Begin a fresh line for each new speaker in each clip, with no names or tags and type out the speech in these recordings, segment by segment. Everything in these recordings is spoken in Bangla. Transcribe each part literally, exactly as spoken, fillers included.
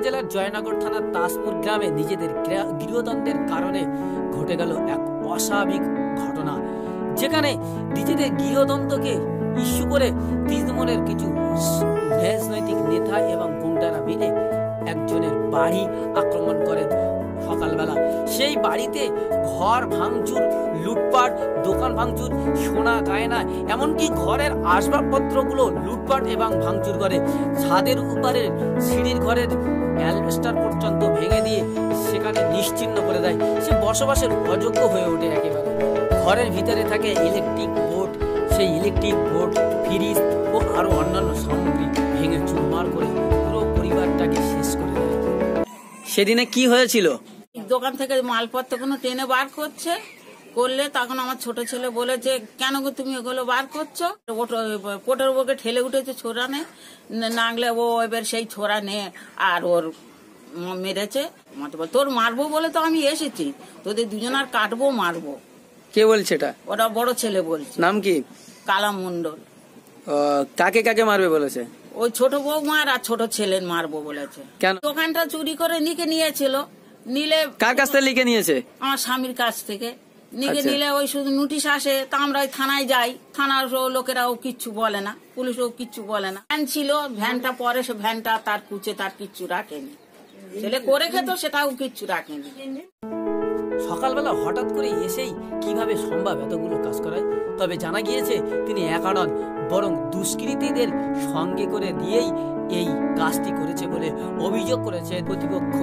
জেলার জয়নগর থানার তাজপুর গ্রামে নিজেদের গৃহদ্বন্দ্বের কারণে ঘটে গেল এক অস্বাভাবিক ঘটনা, যেখানে নিজেদের গৃহদ্বন্দ্বকে ইস্যু করে তৃণমূলের কিছু রাজনৈতিক নেতা এবং গুন্ডারা মিলে একজনের বাড়ি আক্রমণ করেন সকালবেলা। সেই বাড়িতে ঘর ভাঙচুর, লুটপাট, দোকান ভাঙচুর, সোনা গয়না, এমনকি ঘরের আসবাবপত্রগুলো লুটপাট এবং ভাঙচুর করে। ছাদের উপরে সিঁড়ির ঘরের অ্যালবেস্টার পর্যন্ত ভেঙে দিয়ে সেখানে নিশ্চিহ্ন করে দেয়। সে বসবাসের অযোগ্য হয়ে ওঠে একেবারে। ঘরের ভিতরে থাকে ইলেকট্রিক বোর্ড, সেই ইলেকট্রিক বোর্ড, ফ্রিজ ও আরো অন্যান্য সামগ্রী ভেঙে চুরমার করে পুরো পরিবারটাকে শেষ করে দেয়। সেদিনে কি হয়েছিল?
দোকান থেকে মালপত্র কোনো টেনে বার করছে, করলে তখন আমার ছোট ছেলে বলেছে, কেন গো তুমি এগুলো বার করছো? কোটের উপরকে ঠেলে উঠেছে ছোড়া নে, নাগলে ও এবার সেই ছোড়া নে আর ওর মেরেছে। তোর মারবো বলে তো আমি এসেছি, তোদের দুজনার কাটবো মারবো।
কে বলছে এটা?
ওটা বড় ছেলে বলছে।
নাম কি?
কালাম মন্ডল।
কাকে কাকে মারবে বলেছে?
ওই ছোট বউ মার আর ছোট ছেলে মারবো বলেছে।
কেন? দোকানটা
চুরি করে নিকে নিয়েছিল। নিলে
কার কাছ থেকে লিখে নিয়েছে? আমার
স্বামীর কাছ থেকে নিকে নিলে ওই শুধু নোটিশ আসে, তা আমরা ওই থানায় যাই, থানার লোকেরাও কিচ্ছু বলে না, পুলিশও কিচ্ছু বলে না। ভ্যান ছিল, ভ্যানটা পরে সে ভ্যানটা তার কুচে তার কিচ্ছু রাখেনি, ছেলে করে খেত সেটাও কিচ্ছু রাখেনি।
সকালবেলা হঠাৎ করে এসেই কিভাবে সম্ভব এতগুলো কাজ করায়? তবে জানা গিয়েছে তিনি একা নন, বরং দুষ্কৃতীদের সঙ্গে করে দিয়েই এই কাজটি করেছে বলে অভিযোগ করেছে কর্তৃপক্ষ।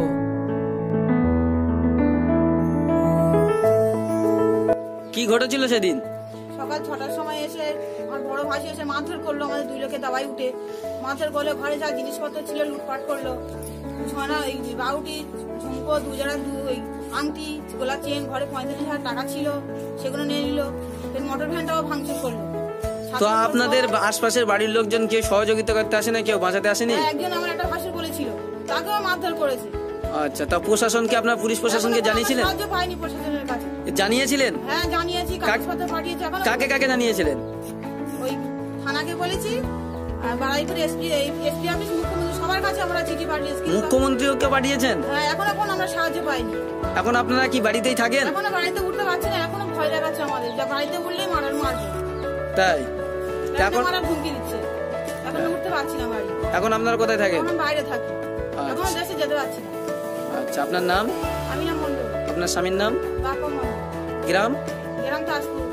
কি ঘটেছিল সেদিন?
সকাল ছটার সময় এসে আমার বড় ভাই এসে মারধর করলো, আমাদের দুই লোকে দাবাই উঠে মারধর করলো, ঘরে যা জিনিসপত্র ছিল লুটপাট করলো। সোনা, এই বাউটি, ঝুমকো, দুজোড়া আংটি, গোলা চেন, ঘরে পঁয়ত্রিশ হাজার টাকা ছিল সেগুলো নিয়ে নিল। মোটর ভ্যানটাও ভাঙচুর করলো।
তো আপনাদের আশপাশের বাড়ির লোকজন কেউ সহযোগিতা করতে আসে না? কেউ বাঁচাতে আসেনি?
একজন আমার একটা ভাসুর বলেছিল, তাকেও মারধর করেছে।
আচ্ছা, তা প্রশাসনকে, আপনার পুলিশ প্রশাসনকে জানিয়েছিলেন?
সাহায্য পাইনি প্রশাসনের কাছে।
জানিয়েছিলেন?
হ্যাঁ জানিয়েছি, কাগজপত্র পাঠিয়েছি।
কাকে কাকে জানিয়েছিলেন?
ওই থানাকে বলেছি, আর বাড়াইপুর এসপি এসপি অফিস, মুখ্যমন্ত্রী, সবার কাছে আমরা চিঠি পাঠিয়েছি।
মুখ্যমন্ত্রীকে পাঠিয়েছেন?
হ্যাঁ, এখন এখন আমরা সাহায্য পাইনি।
এখন আপনারা কি বাড়িতেই থাকেন?
এখনো বাড়িতে উঠতে পারছি না, এখনো ভয় লাগাচ্ছে আমাদের, যা বাড়িতে উঠলেই মারার মারবে।
তাই
এখন মারার হুমকি দিচ্ছে, এখন উঠতে পারছি না বাড়ি।
এখন আপনারা কোথায় থাকেন?
এখন বাইরে থাকি, এখন দেশে যেতে পারছি না।
আচ্ছা, আপনার নাম?
আমি নাম মন্ডল।
আপনার স্বামীর নাম?
বাপা মন্ডল।
গ্রাম?
গ্রাম তাজপুর।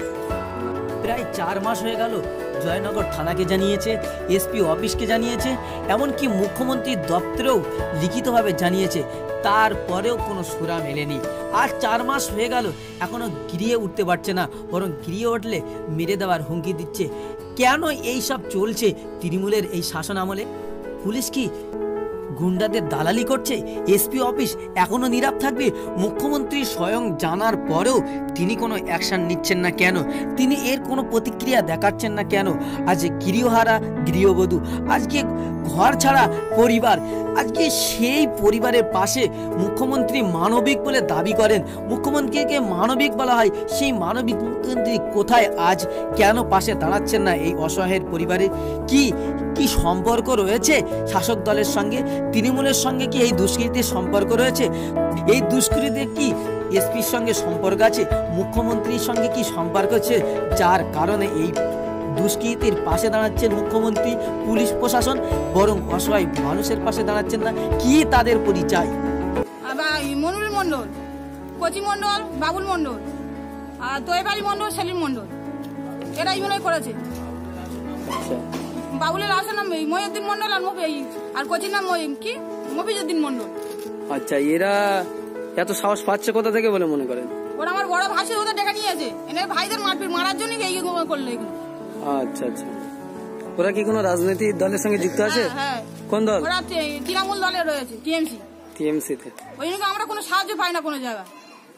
প্রায় চার মাস হয়ে গেল জয়নগর থানাকে জানিয়েছে, এসপি অফিসকে জানিয়েছে, এমনকি মুখ্যমন্ত্রীর দপ্তরেও লিখিতভাবে জানিয়েছে, তারপরেও কোনো সুরা মেলেনি। আর চার মাস হয়ে গেল এখনো গিরিয়ে উঠতে পারছে না, বরং গিরিয়ে উঠলে মেরে দেওয়ার হুমকি দিচ্ছে। কেন এই সব চলছে তৃণমূলের এই শাসন আমলে? পুলিশ কি গুন্ডাদের দালালি করছে? এসপি অফিস এখনো নীরব থাকবে? মুখ্যমন্ত্রী স্বয়ং জানার পরেও তিনি কোনো অ্যাকশন নিচ্ছেন না কেন? তিনি এর কোনো প্রতিক্রিয়া দেখাচ্ছেন না কেন? আজ গৃহহারা গৃহবধূ, আজকে ঘর ছাড়া পরিবার, আজকে সেই পরিবারের পাশে মুখ্যমন্ত্রী মানবিক বলে দাবি করেন, মুখ্যমন্ত্রীকে মানবিক বলা হয়, সেই মানবিক মুখ্যমন্ত্রী কোথায় আজ? কেন পাশে দাঁড়াচ্ছেন না এই অসহায়ের পরিবারে? কি কি সম্পর্ক রয়েছে শাসক দলের সঙ্গে? তৃণমূলের সঙ্গে কি এই দুষ্কৃতির সম্পর্ক রয়েছে? এই দুষ্কৃতির কি এসপির সঙ্গে সম্পর্ক আছে? মুখ্যমন্ত্রীর সঙ্গে কি সম্পর্ক আছে, যার কারণে এই দুষ্কৃতির পাশে দাঁড়াচ্ছেন মুখ্যমন্ত্রী, পুলিশ প্রশাসন, বরং অসহায় মানুষের পাশে দাঁড়াচ্ছেন না? কি তাদের পরিচয়?
মনুল মন্ডল, কচি মন্ডল, বাবুল মন্ডল, আর দোয়েবাড়ি মন্ডল, সেলিম মন্ডল, এরা ইউনিয়ন করেছে। বাবুলের আসল নাম মহিউদ্দিন মন্ডল, আর আর কচির নাম কি মফিজউদ্দিন মন্ডল।
আচ্ছা, এরা এত সাহস পাচ্ছে কোথা থেকে বলে মনে করেন?
ওরা আমার বড় ভাসি ওদের ডেকে নিয়েছে, এনে ভাইদের মারপিট মারার জন্য এই করলো এগুলো।
আচ্ছা আচ্ছা, ওরা কি কোনো রাজনৈতিক দলের সঙ্গে যুক্ত আছে?
হ্যাঁ।
কোন দল?
ওরা তৃণমূল দলে রয়েছে, টিএমসি।
টিএমসি তে?
ওই জন্য আমরা কোনো সাহায্য পাই না কোনো জায়গায়।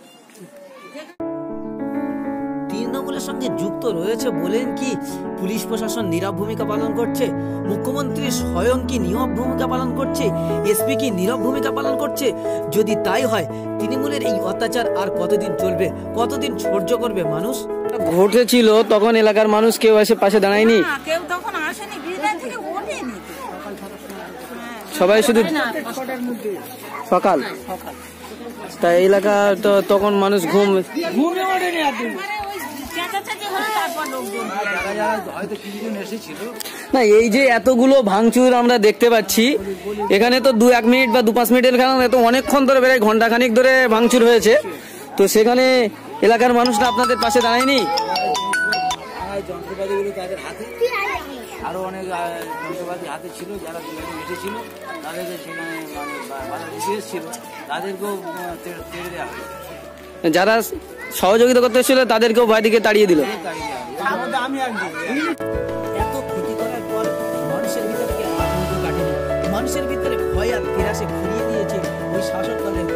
তৃণমূলের সঙ্গে যুক্ত রয়েছে বলেন কি পুলিশ প্রশাসন নীরব ভূমিকা পালন করছে? মুখ্যমন্ত্রী স্বয়ং কি নীরব ভূমিকা পালন করছে? এসপি কি নীরব ভূমিকা পালন করছে? যদি তাই হয়, তৃণমূলের এই অত্যাচার আর কতদিন চলবে? কতদিন সহ্য করবে মানুষ? ঘটেছিল তখন এলাকার মানুষ কেউ এসে পাশে দাঁড়ায়নি?
কেউ তখন আসেনি, বিদায় থেকে ওঠেনি।
সবাই শুধু
না, পাঁচটার মধ্যে
সকাল
সকাল
তাই এলাকা তো তখন মানুষ ঘুম
ঘুমে ওঠেনি একদম।
মানে ওই চেঁচাচেঁচি হলো তারপর লোকজন
না এই যে এতগুলো ভাঙচুর আমরা দেখতে পাচ্ছি এখানে তো দু এক মিনিট বা দু পাঁচ মিনিটের খেলা তো অনেকক্ষণ ধরে বেড়ে ঘন্টা খানিক ধরে ভাঙচুর হয়েছে, তো সেখানে এলাকার মানুষরা আপনাদের পাশে দাঁড়ায়নি?
যন্ত্রপাতিগুলো তাদের হাতে, আরো অনেক আহ, যন্ত্রপাতি হাতে ছিল, যারা দুজনে এসেছিল তাদেরকে সেখানে মানে বা- বাধা দিতে এসেছিল তাদেরকেও আহ, তেড়ে তেড়ে দেওয়া হলো,
যারা সহযোগিতা করতে এসেছিল তাদেরকেও বাইরে তাড়িয়ে দিল।
তাড়িয়ে দেওয়া হলো। তার মধ্যে আমি একজন। এত ক্ষতি করার পর মানুষের ভিতরে কি আতঙ্ক কাটেনি, মানুষের ভিতরে ভয় আর তিরাসে ঘুরিয়ে দিয়েছে ওই শাসক দলের